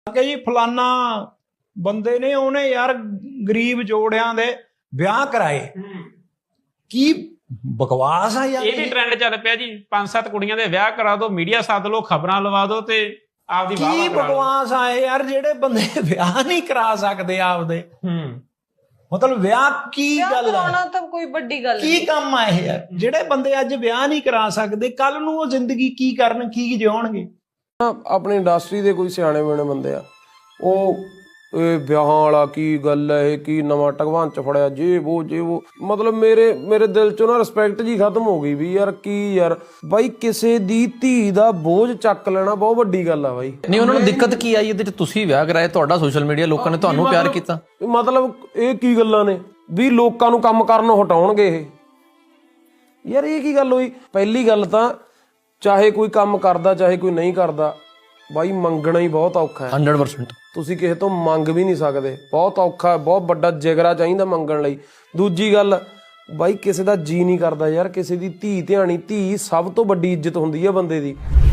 ਕਿ ਜੀ ਫਲਾਨਾ ਬੰਦੇ ਨੇ ਉਹਨੇ ਯਾਰ ਗਰੀਬ ਜੋੜਿਆਂ ਦੇ ਵਿਆਹ ਕਰਾਏ। ਕੀ ਬਕਵਾਸ ਆ ਯਾਰ। ਇਹ ਵੀ ਟ੍ਰੈਂਡ ਚੱਲ ਪਿਆ ਜੀ, 5-7 ਕੁੜੀਆਂ ਦੇ ਵਿਆਹ ਕਰਾ ਦੋ, ਮੀਡੀਆ ਸੱਦ ਲਓ, ਖਬਰਾਂ ਲਵਾ ਦੋ ਤੇ ਆਪਦੀ ਵਾਹ ਕੀ ਬਕਵਾਸ ਆਏ ਯਾਰ, ਜਿਹੜੇ ਬੰਦੇ ਵਿਆਹ ਨਹੀਂ ਕਰਾ ਸਕਦੇ ਆਪਦੇ। ਮਤਲਬ ਵਿਆਹ ਕੀ ਗੱਲ ਕਰਾਉਣਾ ਤਾਂ ਕੋਈ ਵੱਡੀ ਗੱਲ ਕੀ ਕੰਮ ਆ ਇਹ ਯਾਰ। ਜਿਹੜੇ ਬੰਦੇ ਅੱਜ ਵਿਆਹ ਨਹੀਂ ਕਰਾ ਸਕਦੇ, ਕੱਲ ਨੂੰ ਉਹ ਜ਼ਿੰਦਗੀ ਕੀ ਕਰਨ, ਕੀ ਜਿਉਣਗੇ। ਆਪਣੀ ਇੰਡਸਟਰੀ ਦੇ ਕੋਈ ਸਿਆਣੇ ਬਿਆਣੇ ਬੰਦੇ ਆ, ਉਹ ਇਹ ਵਿਆਹਾਂ ਵਾਲਾ ਕੀ ਗੱਲ ਹੈ, ਇਹ ਕੀ ਨਵਾਂ ਟਗਵਾਨ ਚ ਫੜਿਆ, ਜੇ ਉਹ ਮਤਲਬ ਮੇਰੇ ਦਿਲ ਚੋਂ ਨਾ ਰਿਸਪੈਕਟ ਜੀ ਖਤਮ ਹੋ ਗਈ ਵੀ ਯਾਰ ਕੀ ਯਾਰ ਬਾਈ, ਕਿਸੇ ਦੀ ਧੀ ਦਾ ਬੋਝ ਚੱਕ ਲੈਣਾ ਬਹੁਤ ਵੱਡੀ ਗੱਲ ਆ ਬਾਈ। ਨਹੀਂ ਉਹਨਾਂ ਨੂੰ ਦਿੱਕਤ ਕੀ ਆਈ ਇਹਦੇ ਚ? ਤੁਸੀਂ ਵਿਆਹ ਕਰਾਏ, ਤੁਹਾਡਾ ਸੋਸ਼ਲ ਮੀਡੀਆ, ਲੋਕਾਂ ਨੇ ਤੁਹਾਨੂੰ ਪਿਆਰ ਕੀਤਾ। ਮਤਲਬ ਇਹ ਕੀ ਗੱਲਾਂ ਨੇ ਵੀ ਲੋਕਾਂ ਨੂੰ ਕੰਮ ਕਰਨੋਂ ਹਟਾਉਣਗੇ ਇਹ? ਯਾਰ ਇਹ ਕੀ ਗੱਲ ਹੋਈ? ਪਹਿਲੀ ਗੱਲ ਤਾਂ ਚਾਹੇ ਕੋਈ ਕੰਮ ਕਰਦਾ ਚਾਹੇ ਕੋਈ ਨਹੀਂ ਕਰਦਾ ਬਾਈ, ਮੰਗਣਾ ਹੀ ਬਹੁਤ ਔਖਾ ਹੈ। 100% ਤੁਸੀਂ ਕਿਸੇ ਤੋਂ ਮੰਗ ਵੀ ਨਹੀਂ ਸਕਦੇ, ਬਹੁਤ ਔਖਾ, ਬਹੁਤ ਵੱਡਾ ਜਿਗਰਾ ਚਾਹੀਦਾ ਮੰਗਣ ਲਈ। ਦੂਜੀ ਗੱਲ ਬਾਈ, ਕਿਸੇ ਦਾ ਜੀ ਨਹੀਂ ਕਰਦਾ ਯਾਰ, ਕਿਸੇ ਦੀ ਧੀ ਧਿਆਣੀ, ਧੀ ਸਭ ਤੋਂ ਵੱਡੀ ਇੱਜ਼ਤ ਹੁੰਦੀ ਹੈ ਬੰਦੇ ਦੀ।